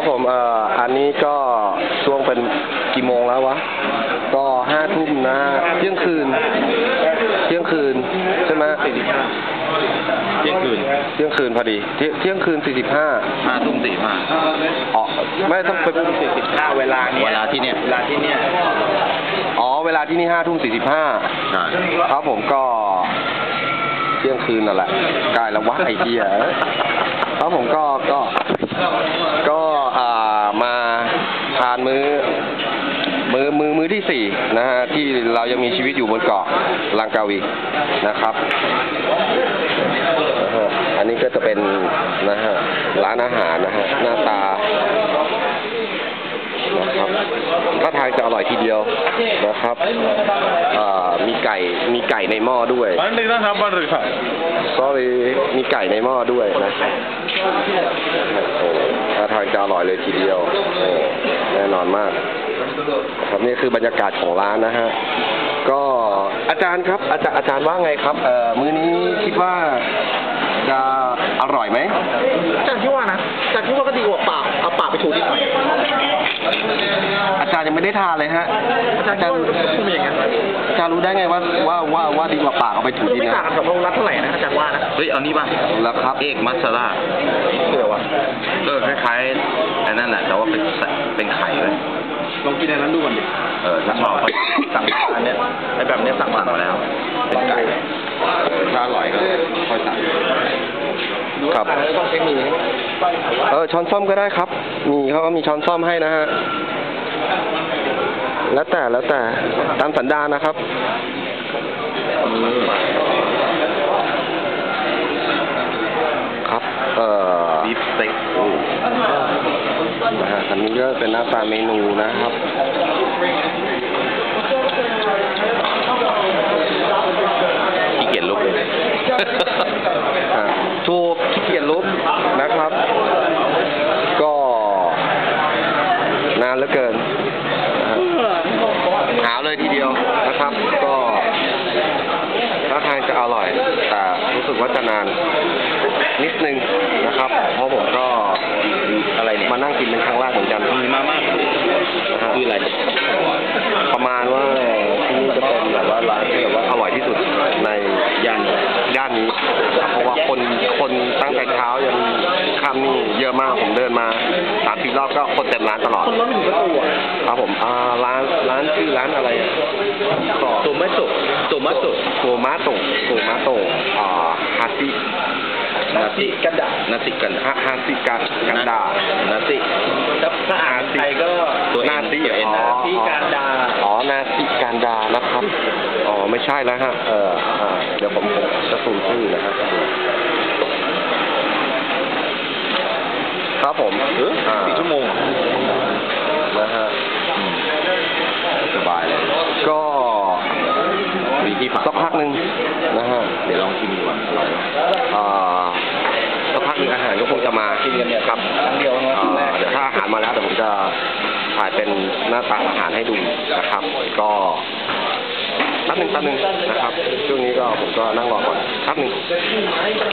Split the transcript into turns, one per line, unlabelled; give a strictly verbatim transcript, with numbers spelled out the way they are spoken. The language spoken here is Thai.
ครับผมเอ่ออันนี้ก็ช่วงเป็นกี่โมงแล้ววะก็ห้าทุ่มนะเที่ยงคืนเที่ยงคืนใช่ไหมสี่สิบห้า
เที่ยงคืน
เที่ยงคืนพอดีเที่ยงเที่ยงคืนสี่สิบห้า
ห้าทุ่มสี่ห้า
อ๋อไม่ต้องเป็น
สี่สิบห้าเวลาเนี้ยเวลาที่เนี้ยเวลาที่เนี้ย
อ๋อเวลาที่นี่ห้าทุ่มสี่สิบห้า
ใช่
ครับผมก็เที่ยงคืนนั่นแหละใกล้แล้ววะไอ้เหี้ยครับผมก็ก็ก็อ่ามาทานมื้อมือมือมือที่สี่นะฮะที่เรายังมีชีวิตอยู่บนเกาะลังกาวีนะครับอันนี้ก็จะเป็นนะฮะร้านอาหารนะฮะหน้าตานะครับถ้าทางจะอร่อยทีเดียวนะครับมีไก่มีไก่ในหม้อด้วย sorry มีไก่ในหม้อด้วยนะถ้าทางจะอร่อยเลยทีเดียวแน่นอนมากครับนี่คือบรรยากาศของร้านนะฮะก็อาจารย์ครับอาจารย์อาจารย์ว่าไงครับเอ่อมื้อนี้คิดว่าจะอร่อยไหม
อาจารย์คิดว่านะอาจารย์คิดว่าก็ดีกว่าปากเอาปากไปถูนิดหน่อย
อาจารย์ยังไม่ได้ทานเลยฮะ
อาจารย์คิดว่าคงเป็นอย่างนั้น
อาจารย์รู้ได้ไงว่าว่าว่าว่าดีกว่าปากเอาไปถูนิดนะ
ไม่ต่างกับพวกรัฐเท่าไหร่นะอาจารย์ว่านะ
เฮ้ยเอานี่ป่ะ
แล้วครับ
เอกมัสซาร่า
เดี๋ยววะ
ก็คล้ายๆอันนั้นแหละแต่ว่าเป็นเป็นไข่เลย
ลองกินอันนั้นดูก่อนดิ
เออถ้าชอบสั่งอันเนี้ยไอ้แบบเนี้ยสั่งมาแล้วเป็นไก่ถ้าอร่อยก็ค่อยสั่ง
ครับ
ต้องใช้มือ
เออช้อนส้อมก็ได้ครับมีเขาก็มีช้อนส้อมให้นะฮะแล้วแต่แล้วแต่ตามสันดานนะครับครับเอ่อ
บีฟสเต็ก
นะฮะอันนี้ก็เป็นหน้าตาเมนูนะครับ
ขี้เกียจลุก
ถูกขี้เกียจลุกนะครับก็นานเหลือเกินหาเลยทีเดียวนะครับก็ถ้าทางจะอร่อยแต่รู้สึกว่าจะนานนิดนึงนะครับเพราะผมก็อะไรเนี่ยมานั่งกินเป็นครั้งแรกเหมือนกัน
มีมามากคืออะไร
ประมาณว่าที่นี่จะเป็นแบบว่าร้านที่แบบว่าอร่อยที่สุดในย่านย่านนี้เพราะว่าคนคนตั้งแต่เช้ายันค่ำนี่เยอะมากผมเดินมาสามสี่รอบก็คนเต็มร้านตลอด
คนร้อนไม่ถึงประตูอ่ะ
ครับผมอ่าร้านร้านชื่อร้านอะไร
โตมัสโตโตมัสโต
โตมัสโตโตมัสโตอ่าฮาซิ
นาซิกันดานาซิกัน
ฮาฮาซิกันกันดา
นาซิ
ถ้าอ่านไทยก็
นาซิ
นาซิกันดา
อ๋อนาซิกันดานะครับอ๋อไม่ใช่แล้วฮะเออเดี๋ยวผมจะสูงชื่อนะฮะครับผม
สี่ชั่วโมง
นะฮะ
สบายเลย
ก็
มีที่
สักพักหนึ่งนะฮะ
เดี๋ยวลองชิมดูว่า
อ่าสักพักหนึ่งอาหารก็คงจะมา
กินกันเนี่ย
ครับ
ครั้งเดียว
เดี๋ยวถ้าอาหารมาแล้วเดี๋ยวผมจะถ่ายเป็นหน้าตาอาหารให้ดูนะครับก็แป๊บหนึ่งแป๊บหนึ่งนะครับช่วงนี้ก็ผมก็นั่งรอก่อนแป๊บหนึ่ง